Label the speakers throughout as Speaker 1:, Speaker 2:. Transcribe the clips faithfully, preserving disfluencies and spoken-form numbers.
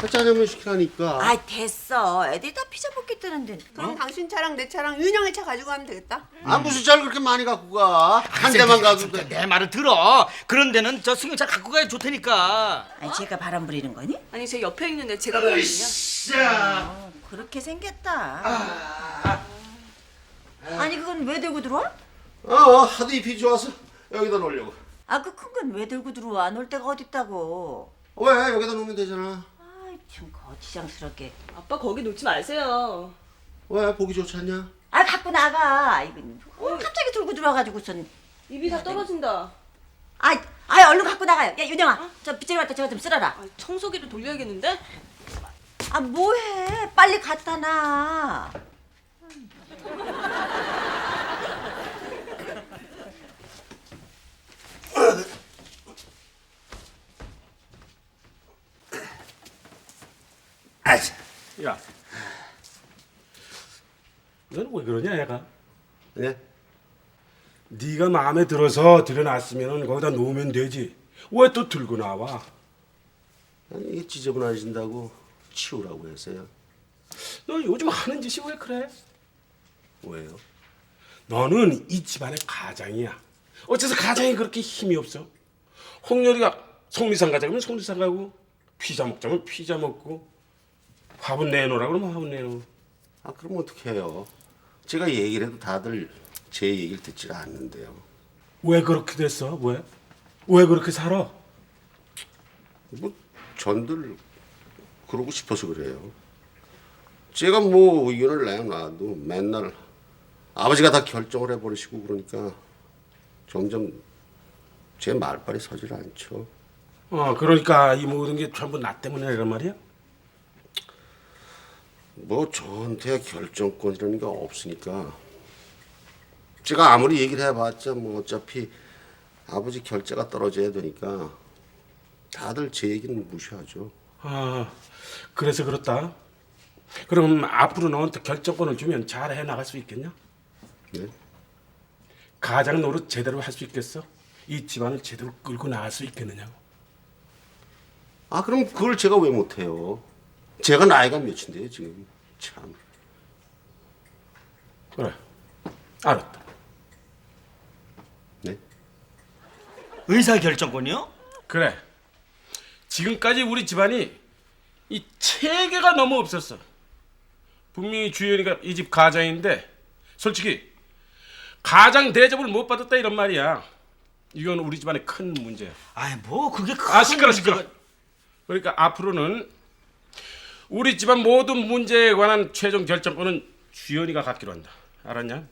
Speaker 1: 짜장면 시키라니까.
Speaker 2: 아 됐어. 애들이 다 피자 먹기 뜨는데.
Speaker 3: 그럼 당신 차랑 내 차랑 윤영의 차 가지고 가면 되겠다.
Speaker 1: 아 무슨 차를 그렇게 많이 갖고 가? 한 대만 가도 돼.
Speaker 4: 내 말을 들어. 그런 데는 저 승용차 갖고 가야 좋다니까.
Speaker 2: 아니 제가 바람 부리는 거니?
Speaker 3: 아니 제 옆에 있는데 제가 보거든요.
Speaker 2: 어, 그렇게 생겼다. 아니 그건 왜 들고 들어와?
Speaker 1: 어 하도 잎이 좋아서 여기다 놓으려고.
Speaker 2: 아 그 큰 건 왜 들고 들어와? 놀 데가 어딨다고.
Speaker 1: 왜 여기다 놓으면 되잖아.
Speaker 2: 아이 참 거지장스럽게.
Speaker 3: 아빠 거기 놓지 마세요.
Speaker 1: 왜 보기 좋지 않냐?
Speaker 2: 아 갖고 나가. 이건 어, 갑자기 들고 들어와가지고선.
Speaker 3: 입이 다 떨어진다.
Speaker 2: 아이 아이 얼른 갖고 나가요. 야 윤영아 저 빗자루 갖다 저거 좀 쓸어라.
Speaker 3: 아, 청소기를 돌려야겠는데?
Speaker 2: 아 뭐해? 빨리 갖다 놔.
Speaker 5: 야, 너는 왜 그러냐, 얘가?
Speaker 1: 네?
Speaker 5: 네가 마음에 들어서 들여놨으면 거기다 놓으면 되지. 왜 또 들고 나와?
Speaker 1: 아니 이게 지저분해진다고 치우라고 했어요.
Speaker 5: 너 요즘 하는 짓이 왜 그래?
Speaker 1: 왜요?
Speaker 5: 너는 이 집안의 가장이야. 어째서 가장이 그렇게 힘이 없어? 홍렬이가 속리산 가자 그러면 속리산 가고, 피자 먹자면 피자 먹고, 화분 내놓으라 그러면 화분 내놓고.
Speaker 1: 아 그럼 어떻게 해요? 제가 얘기를 해도 다들 제 얘기를 듣질 않는데요.
Speaker 5: 왜 그렇게 됐어? 왜? 왜 그렇게 살아?
Speaker 1: 뭐 전들 그러고 싶어서 그래요. 제가 뭐 의견을 내놔도 맨날 아버지가 다 결정을 해버리시고 그러니까 점점 제 말빨이 서질 않죠.
Speaker 5: 어, 그러니까 이 모든 게 전부 나 때문에 이란 말이야?
Speaker 1: 뭐 저한테 결정권이라는 게 없으니까 제가 아무리 얘기를 해봤자 뭐 어차피 아버지 결재가 떨어져야 되니까 다들 제 얘기는 무시하죠.
Speaker 5: 아, 그래서 그렇다. 그럼 앞으로 너한테 결정권을 주면 잘 해나갈 수 있겠냐?
Speaker 1: 네?
Speaker 5: 가장 노릇 제대로 할 수 있겠어? 이 집안을 제대로 끌고 나갈 수 있겠느냐고.
Speaker 1: 아 그럼 그걸 제가 왜 못해요? 제가 나이가 몇인데요 지금. 참.
Speaker 5: 그래, 알았다.
Speaker 1: 네?
Speaker 4: 의사 결정권이요?
Speaker 5: 그래, 지금까지 우리 집안이 이 체계가 너무 없었어. 분명히 주연이가 이 집 가장인데 솔직히 가장 대접을 못 받았다 이런 말이야. 이건 우리 집안의 큰 문제야.
Speaker 4: 아이 뭐 그게 큰
Speaker 5: 아 시끄러 시끄러.
Speaker 4: 문제가-
Speaker 5: 그러니까 앞으로는 우리 집안 모든 문제에 관한 최종 결정권은 주연이가 갖기로 한다. 알았냐?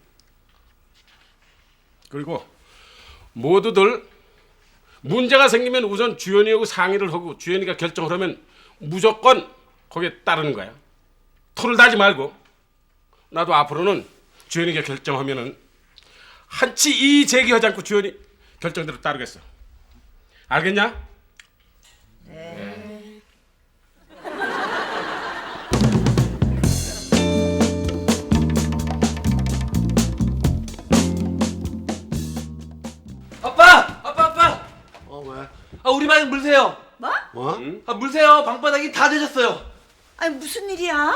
Speaker 5: 그리고 모두들 문제가 생기면 우선 주연이하고 상의를 하고 주연이가 결정을 하면 무조건 거기에 따르는 거야. 토를 다지 말고. 나도 앞으로는 주연이가 결정하면은 한치 이 제기하지 않고 주연이 결정대로 따르겠어. 알겠냐?
Speaker 4: 아빠! 아빠 아빠!
Speaker 1: 어 왜?
Speaker 4: 아 우리 방에 물 새요.
Speaker 2: 뭐?
Speaker 1: 뭐?
Speaker 4: 아 물 새요. 방바닥이 다 되졌어요.
Speaker 2: 아니 무슨 일이야?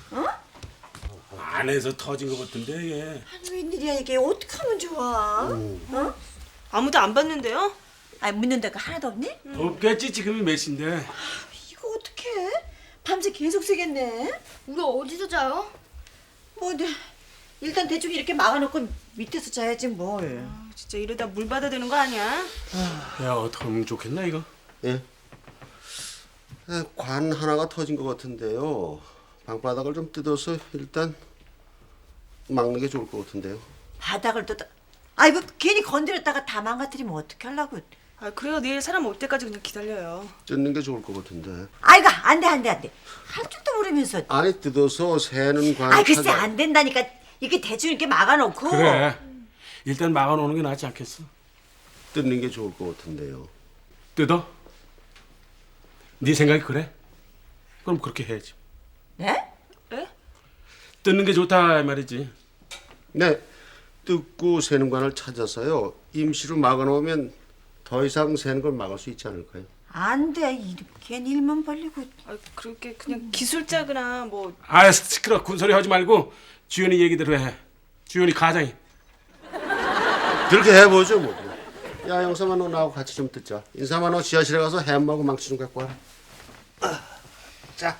Speaker 5: 안에서 터진 것 같은데 이게.
Speaker 2: 아니 웬일이야 이게 어떻게 하면 좋아? 어?
Speaker 3: 아무도 안 봤는데요?
Speaker 2: 아니 묻는 데가 하나도 없니?
Speaker 5: 없겠지 지금이 몇 시인데.
Speaker 2: 이거 어떡해? 밤새 계속 새겠네.
Speaker 6: 우리 어디서 자요?
Speaker 2: 뭐 네. 일단 대충 이렇게 막아놓고 밑에서 자야지 뭘.
Speaker 3: 아, 진짜 이러다 물 받아야 되는 거 아니야?
Speaker 5: 야 어떻게 하면 좋겠나 이거?
Speaker 1: 예. 에, 관 하나가 터진 것 같은데요. 방바닥을 좀 뜯어서 일단 막는 게 좋을 것 같은데요.
Speaker 2: 바닥을 뜯어. 아이 뭐 괜히 건드렸다가 다 망가뜨리면 어떻게 하려고.
Speaker 3: 아 그래요. 내일 사람 올 때까지 그냥 기다려요.
Speaker 1: 뜯는 게 좋을 것 같은데.
Speaker 2: 아이고 안돼 안돼 안돼. 할 줄도 모르면서.
Speaker 1: 아니 뜯어서 새는 관.
Speaker 2: 아이 글쎄
Speaker 1: 찾아-
Speaker 2: 안 된다니까. 이렇게 대충 이렇게 막아놓고.
Speaker 5: 그래. 일단 막아놓는 게 낫지 않겠어?
Speaker 1: 뜯는 게 좋을 것 같은데요.
Speaker 5: 뜯어? 네 생각이 그래? 그럼 그렇게 해야지.
Speaker 2: 네?
Speaker 3: 에?
Speaker 5: 뜯는 게 좋다 이 말이지.
Speaker 1: 네. 뜯고 새는 관을 찾아서요. 임시로 막아놓으면 더 이상 새는 걸 막을 수 있지 않을까요?
Speaker 2: 안 돼. 이렇게 일만 벌리고.
Speaker 3: 아, 그렇게 그냥 기술자거나 뭐
Speaker 5: 아 시끄러. 군소리 하지 말고 주연이 얘기대로 해. 주연이 가장이.
Speaker 1: 그렇게 해보죠 뭐. 야 영삼아 너 나하고 같이 좀 듣자. 인삼아 너 지하실에 가서 햄하고 망치 좀 갖고 와라. 아, 자.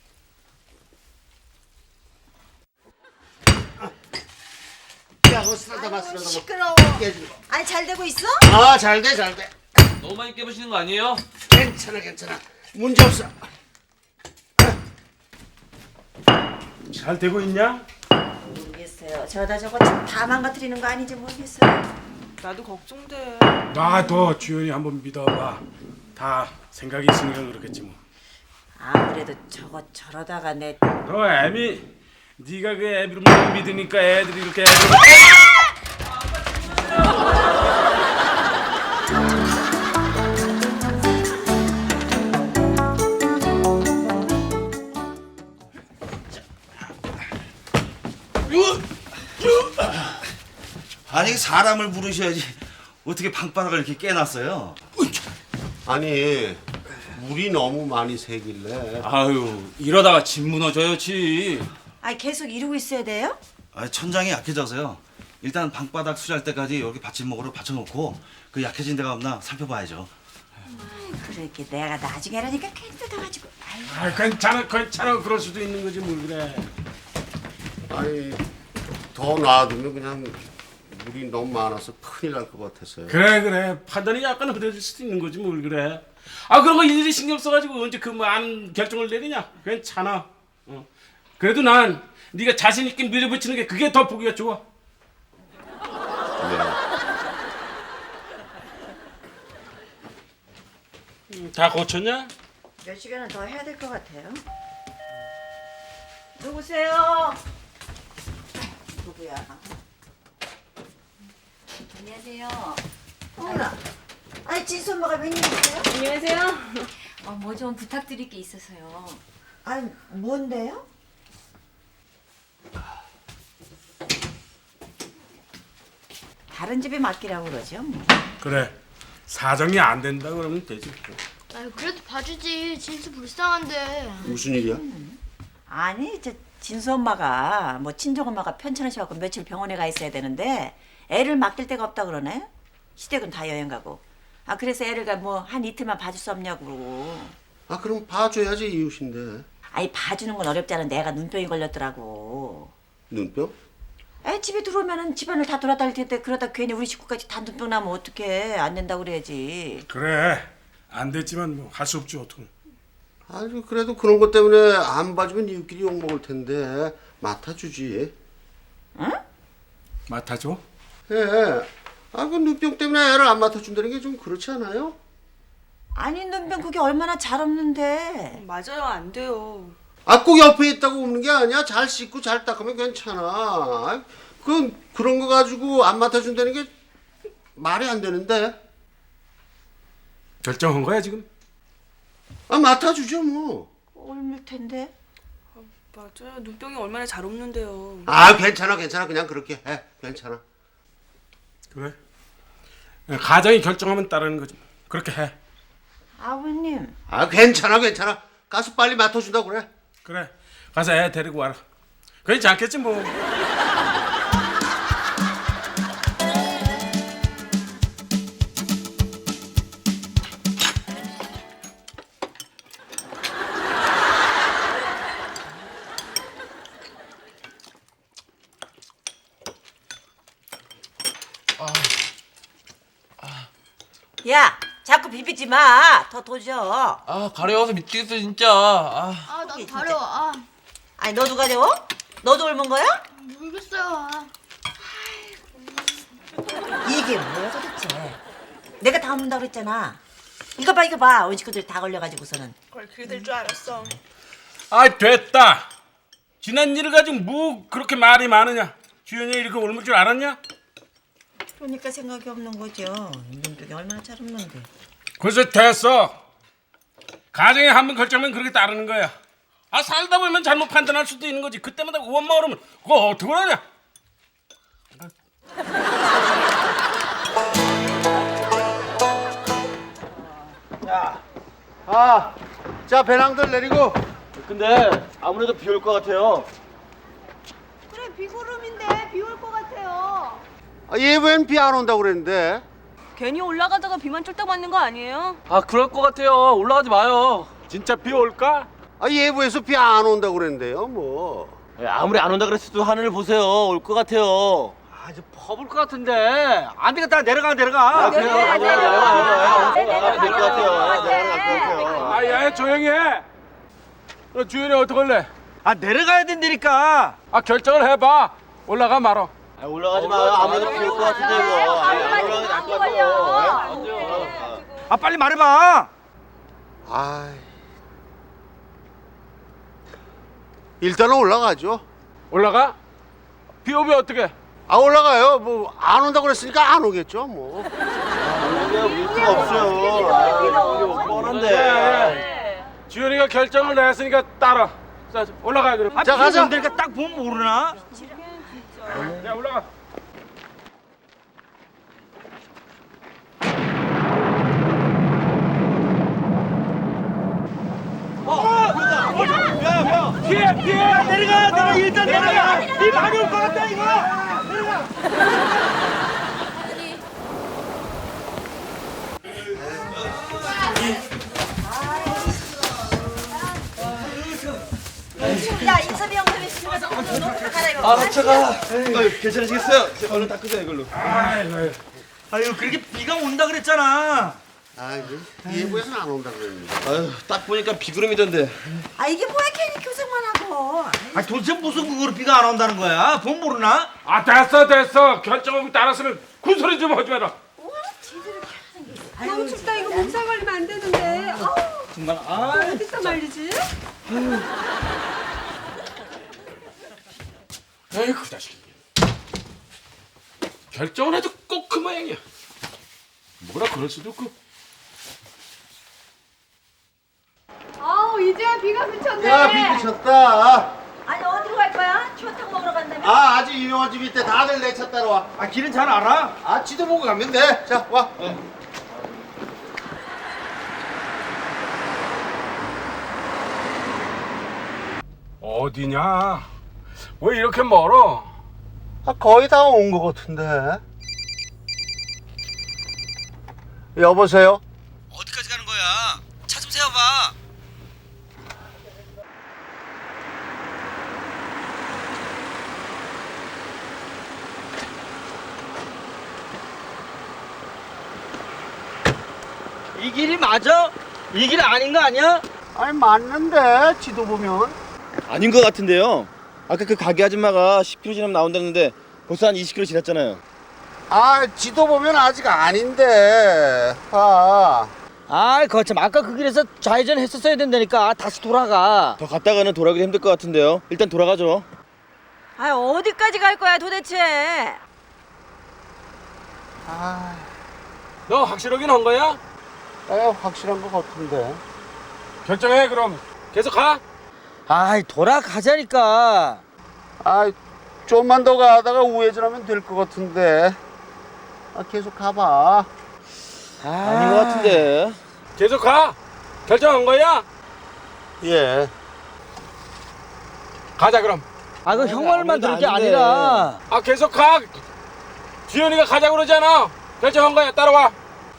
Speaker 1: 야, 너 쓰러다 마 쓰러다 마.
Speaker 2: 시끄러워.
Speaker 1: 깨지는 거.
Speaker 2: 아니 잘 되고 있어?
Speaker 1: 아, 잘 돼, 잘 돼.
Speaker 6: 너무 많이 깨부시는 거 아니에요?
Speaker 1: 괜찮아, 괜찮아. 문제 없어.
Speaker 5: 잘 되고 있냐?
Speaker 2: 모르겠어요. 저다 저거 다 망가뜨리는 거 아닌지 모르겠어요.
Speaker 3: 나도 걱정돼.
Speaker 5: 나도 주연이 한번 믿어봐. 다 생각이 있으니까 그렇겠지 뭐.
Speaker 2: 아무래도 저거 저러다가 내
Speaker 5: 너 애미 네가 그 애비를 못 믿으니까 애들이 이렇게 애들...
Speaker 4: 아니 사람을 부르셔야지 어떻게 방바닥을 이렇게 깨놨어요?
Speaker 1: 아니, 물이 너무 많이 새길래.
Speaker 6: 아유 이러다가 집 무너져요 집.
Speaker 2: 아니 계속 이러고 있어야 돼요?
Speaker 4: 아, 천장이 약해져서요. 일단 방바닥 수리할 때까지 여기 받침목으로 받쳐놓고 그 약해진 데가 없나 살펴봐야죠.
Speaker 2: 그렇게 내가 나중에라니까 괜히 뜯어가지고. 아이고.
Speaker 5: 아 괜찮아 괜찮아 그럴 수도 있는 거지 뭘 그래.
Speaker 1: 아니, 더 놔두면 그냥 물이 너무 많아서 큰일 날 것 같았어요.
Speaker 5: 그래 그래 판단이 약간 흐려질 수도 있는 거지 뭘 그래. 아 그런 거 일일이 신경 써가지고 언제 그 많은 결정을 내리냐. 괜찮아. 어. 그래도 난 네가 자신 있게 밀어붙이는 게 그게 더 보기가 좋아. 음, 다 고쳤냐?
Speaker 2: 몇 시간은 더 해야 될 것 같아요. 누구세요? 누구야?
Speaker 7: 안녕하세요.
Speaker 2: 어머나. 아니 진수 엄마가 웬일이세요?
Speaker 3: 안녕하세요.
Speaker 7: 어, 뭐 좀 부탁드릴 게 있어서요.
Speaker 2: 아니 뭔데요? 다른 집에 맡기라고 그러죠. 뭐.
Speaker 5: 그래 사정이 안 된다 그러면 되지.
Speaker 8: 아유 그래도 봐주지. 진수 불쌍한데.
Speaker 1: 무슨 일이야?
Speaker 2: 아니 저 진수 엄마가 뭐 친정 엄마가 편찮으셔갖고 며칠 병원에 가 있어야 되는데 애를 맡길 데가 없다 그러네. 시댁은 다 여행 가고. 아 그래서 애를 뭐 한 이틀만 봐줄 수 없냐고 그러고.
Speaker 1: 아, 그럼 봐줘야지 이웃인데.
Speaker 2: 아니 봐주는 건 어렵지 않은데 애가 눈병이 걸렸더라고.
Speaker 1: 눈병?
Speaker 2: 애 집에 들어오면은 집안을 다 돌아다닐 텐데 그러다 괜히 우리 식구까지 다 눈병 나면 어떡해. 안 된다고 그래야지.
Speaker 5: 그래 안 됐지만 뭐 할 수 없지 어떡해.
Speaker 1: 아니, 그래도 그런 것 때문에 안 봐주면 이웃끼리 욕먹을 텐데 맡아주지.
Speaker 5: 맡아줘?
Speaker 1: 예. 아, 그 눈병 때문에 애를 안 맡아준다는 게 좀 그렇지 않아요?
Speaker 2: 아니 눈병 그게 얼마나 잘 없는데.
Speaker 3: 맞아요, 안 돼요.
Speaker 1: 아, 꼭 옆에 있다고 없는 게 아니야. 잘 씻고 잘 닦으면 괜찮아. 그 그런 거 가지고 안 맡아준다는 게 말이 안 되는데.
Speaker 5: 결정한 거야 지금?
Speaker 1: 아, 맡아주죠 뭐.
Speaker 2: 옮을 텐데.
Speaker 3: 맞아요. 눈병이 얼마나 잘 없는데요.
Speaker 1: 아, 괜찮아, 괜찮아. 그냥 그렇게 해. 괜찮아.
Speaker 5: 그래 가정이 결정하면 따르는 거지. 그렇게 해.
Speaker 2: 아버님.
Speaker 1: 아, 괜찮아, 괜찮아. 가서 빨리 맡아준다고 그래.
Speaker 5: 그래 가서 애 데리고 와라. 그렇지 않겠지 뭐.
Speaker 2: 야, 자꾸 비비지 마. 더 도져.
Speaker 6: 아 가려워서 미치겠어 진짜. 아,
Speaker 8: 아 나도 가려워. 아
Speaker 2: 아니 너도 가려워? 너도 옮은 거야?
Speaker 8: 모르겠어요. 아.
Speaker 2: 이게 뭐야 도대체? 내가 다 옮는다 그랬잖아. 이거 봐 이거 봐. 온 식구들 다 걸려가지고서는.
Speaker 3: 그걸 그게 될 줄 알았어.
Speaker 5: 아 됐다. 지난 일을 가지고 뭐 그렇게 말이 많으냐. 주연이 이렇게 옮을 줄 알았냐?
Speaker 2: 그러니까 생각이 없는 거죠. 눈병이 얼마나 잘 없는데.
Speaker 5: 그래서 됐어. 가정에 한 번 결정하면 그렇게 따르는 거야. 아 살다 보면 잘못 판단할 수도 있는 거지. 그때마다 원망 그러면 그거 어떻게 하냐?
Speaker 4: 야,
Speaker 1: 아, 자 배낭들 내리고.
Speaker 9: 근데 아무래도 비 올 것 같아요.
Speaker 8: 그래 비구름인데 비 올 것 같아요.
Speaker 1: 아, 예보엔 비 안 온다고 그랬는데.
Speaker 3: 괜히 올라가다가 비만 쫄딱 맞는 거 아니에요?
Speaker 6: 아 그럴 것 같아요. 올라가지 마요.
Speaker 5: 진짜 비 올까?
Speaker 1: 아, 예보에서 비 안 온다고 그랬는데요, 뭐.
Speaker 9: 아무리 안 온다 그랬어도 하늘을 보세요. 올 것 같아요.
Speaker 6: 아 이제 퍼볼 것 같은데 안 되겠다. 내려가 내려가.
Speaker 9: 아, 그래요?
Speaker 8: 네, 네, 네,
Speaker 9: 내려가요.
Speaker 8: 네, 네, 네,
Speaker 9: 될것 같아요.
Speaker 8: 네,
Speaker 9: 내려갈 것 같아요.
Speaker 5: 아, 야, 조용히 해. 너 주연이 어떡할래?
Speaker 6: 아 내려가야 된다니까.
Speaker 5: 아, 결정을 해봐. 올라가 말어.
Speaker 9: 아, 올라가지 마요. 아무래도 비 올 것 같은데 이거. 아, 안 올라가는 게 나을 것 같아요. 네?
Speaker 6: 아 빨리 말해봐.
Speaker 1: 아이. 일단은 올라가죠.
Speaker 5: 올라가? 비 오면 어떡해?
Speaker 1: 아, 올라가요. 뭐 안 온다고 그랬으니까 안 오겠죠, 뭐.
Speaker 9: 올 수가 없어요. 아, 여기 뻔한데.
Speaker 5: 주연이가 결정을 냈으니까 따라. 자, 올라가 그럼.
Speaker 6: 아,
Speaker 1: 자, 가자.
Speaker 6: 그러니까 딱 보면 모르나?
Speaker 5: 야, 올라가.
Speaker 6: 피해 피해. 내려가 내가 일단 내려가. 비 많이 올 것 같다 이거.
Speaker 2: 야 인섭이 형 때문에 집에 가서 옷 갈아입어.
Speaker 9: 아, 차가. 아유, 괜찮으시겠어요? 제가 얼른 닦으세요, 이걸로.
Speaker 6: 아유 그렇게 비가 온다 그랬잖아.
Speaker 1: 아, 예보에서는 안 온다고 그랬는데.
Speaker 9: 아유, 딱 보니까 비구름이던데.
Speaker 2: 아 이게 뭐야 괜히 교생만 하고.
Speaker 6: 아 도대체 무슨 그거로 비가 안 온다는 거야? 본 모르나?
Speaker 5: 아, 됐어, 됐어. 결정하고 따랐으면 군소리 좀 하지 마라.
Speaker 8: 너무 춥다 이거 몸살 걸리면 안 되는데. 아우
Speaker 6: 정말 아.
Speaker 8: 어디서 말리지?
Speaker 5: 에이, 그 자식이. 결정을 해도 꼭 그 모양이야. 뭐라 그럴 수도 없고.
Speaker 8: 아우 이제야 비가 그쳤네.
Speaker 1: 야, 비 그쳤다.
Speaker 2: 아니 어디로 갈 거야? 추어탕 먹으러 간다며?
Speaker 1: 아, 아주 유명한 집 있대. 다들 내 차 따라와.
Speaker 6: 아 길은 잘 알아?
Speaker 1: 아, 지도 보고 가면 돼. 자, 와.
Speaker 5: 어디냐? 왜 이렇게 멀어?
Speaker 1: 아, 거의 다 온 것 같은데. 여보세요?
Speaker 6: 어디까지 가는 거야? 차 좀 세워봐. 이 길이 맞아? 이 길 아닌 거 아니야?
Speaker 1: 아니, 맞는데, 지도 보면.
Speaker 9: 아닌 것 같은데요. 아까 그 가게 아줌마가 십 킬로미터 지나면 나온다는데 벌써 한 이십 킬로미터 지났잖아요.
Speaker 1: 아, 지도 보면 아직 아닌데. 아.
Speaker 6: 아이 거참 아까 그 길에서 좌회전 했었어야 된다니까. 다시 돌아가.
Speaker 9: 더 갔다가는 돌아가기 힘들 것 같은데요. 일단 돌아가죠.
Speaker 2: 아 어디까지 갈 거야 도대체?
Speaker 1: 아,
Speaker 5: 너 확실하긴 한 거야?
Speaker 1: 에, 확실한 것 같은데.
Speaker 5: 결정해 그럼. 계속 가.
Speaker 6: 아이 돌아가자니까.
Speaker 1: 아, 좀만 더 가다가 우회전하면 될 것 같은데. 아, 계속 가봐.
Speaker 9: 아닌 것 같은데.
Speaker 5: 계속 가. 결정한 거야?
Speaker 1: 예.
Speaker 5: 가자 그럼.
Speaker 6: 아 그 형 말만
Speaker 9: 아무래도
Speaker 6: 들을 게
Speaker 9: 아닌데.
Speaker 6: 아니라.
Speaker 5: 아, 계속 가. 주연이가 가자고 그러잖아. 결정한 거야. 따라와.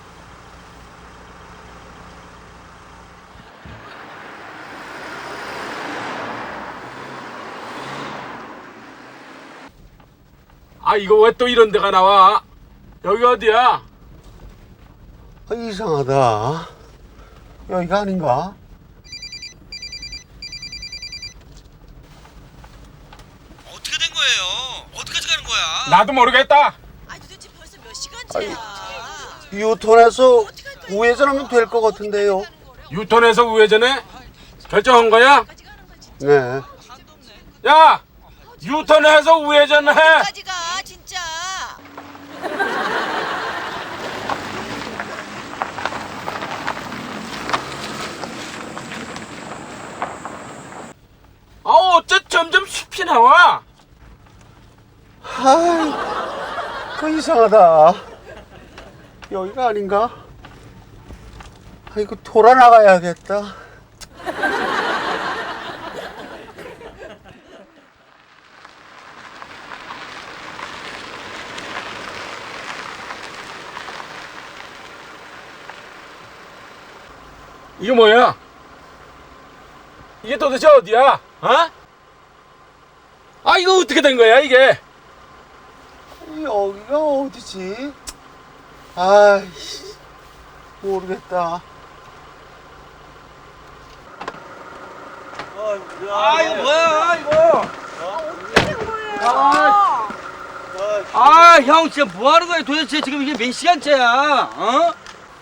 Speaker 5: 아, 이거 왜 또 이런 데가 나와? 여기 어디야?
Speaker 1: 아, 이상하다. 여기가 아닌가?
Speaker 6: 어떻게 된 거예요? 어디까지 가는 거야?
Speaker 5: 나도 모르겠다.
Speaker 2: 아니 도대체 벌써 몇 시간째야?
Speaker 1: 유턴해서 우회전하면 될 것 같은데요.
Speaker 5: 유턴해서 우회전해? 결정한 거야?
Speaker 1: 네.
Speaker 5: 야! 유턴해서 우회전해!
Speaker 2: 어디까지 가 진짜?
Speaker 5: 아, 어째 점점 숲이 나와?
Speaker 1: 아이, 그 이상하다. 여기가 아닌가? 아이고 돌아 나가야겠다.
Speaker 5: 이게 뭐야? 이게 도대체 어디야? 어? 아 이거 어떻게 된 거야 이게?
Speaker 1: 여기가 어디지? 아이씨 모르겠다.
Speaker 6: 아 이거 뭐야 이거? 아 형 진짜 뭐 하는 거야 도대체 지금 이게 몇 시간째야? 어?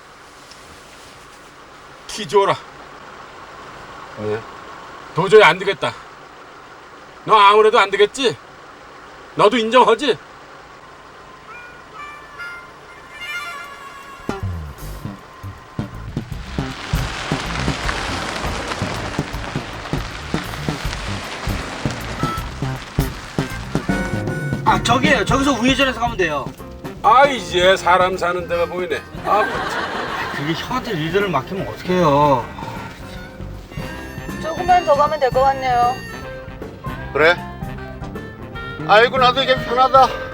Speaker 5: 키 줘라. 네. 도저히 안 되겠다. 너 아무래도 안 되겠지? 너도 인정하지?
Speaker 6: 아 저기에요. 저기서 우회전해서 가면 돼요.
Speaker 5: 아 이제 사람 사는 데가 보이네. 아
Speaker 6: 그게 형한테 리드를 맡기면 어떡해요?
Speaker 2: 조금만 더 가면 될 것 같네요.
Speaker 1: 그래? 아이고 나도 이게 편하다.